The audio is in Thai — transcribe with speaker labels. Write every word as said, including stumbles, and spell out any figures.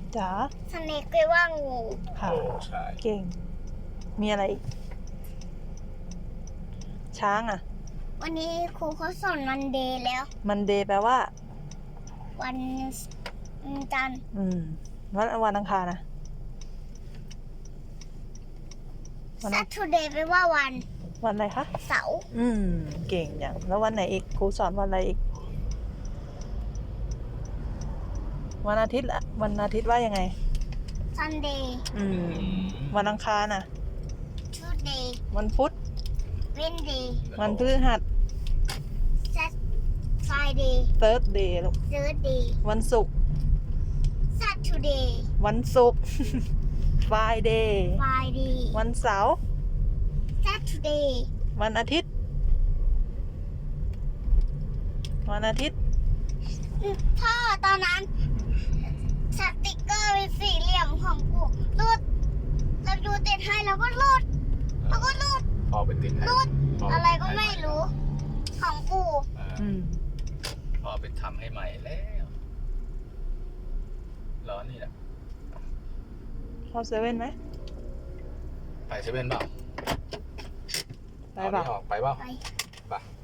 Speaker 1: จ๋า
Speaker 2: สเนกแปลว่างู
Speaker 1: ค่ะ
Speaker 3: โอ้ใช่
Speaker 1: เก่ง มีอะไรอีก ช้างอ่ะ
Speaker 2: วันนี้ครูเขาสอนวันเดย์แล้ว
Speaker 1: มันเดย์แปลว่า
Speaker 2: วันจันทร์
Speaker 1: อืมวันวันอังคารนะวันอัง
Speaker 2: Saturday แปลว่าวัน
Speaker 1: วันอะไรคะ
Speaker 2: เสาร์
Speaker 1: อืม เก่งอย่าง แล้ววันไหนอีก ครูสอนวันอะไรอีก วันอาทิตย์ละวันอาทิตย์ว่ายังไง
Speaker 2: Sunday
Speaker 1: อืม วันอังคารน่ะ
Speaker 2: Tuesday
Speaker 1: วันพุธ
Speaker 2: Wednesday
Speaker 1: วันพฤหัส
Speaker 2: Sat Friday
Speaker 1: เทิร์สเดย์ลูก
Speaker 2: Thursday
Speaker 1: วันศุกร์
Speaker 2: Saturday
Speaker 1: วันศุกร์ ฟรายเดย์
Speaker 2: Friday
Speaker 1: วันเสาร์
Speaker 2: Saturday
Speaker 1: วันอาทิตย์ วันอาทิตย์
Speaker 2: พ่อตอนนั้นสติกเกอร์เป็นสี่เหลี่ยมของกูรูดเราดูติดให้แล้วก็รูดแล้วก็รูด
Speaker 3: พอไปติดให้
Speaker 2: รูด
Speaker 3: พ่
Speaker 2: อะไรก็ไม่รู้ ของกู
Speaker 3: อ่า
Speaker 1: อืม
Speaker 3: พ่อไปทำให้ใหม่แล้วร้อนนี่แหละ
Speaker 1: เข้าเซเว่นไหม
Speaker 3: ไปเซเว่นเปล่า
Speaker 1: ไปเปล่า
Speaker 3: เอานี่ออกไปเปล่า
Speaker 2: ไป
Speaker 3: ไป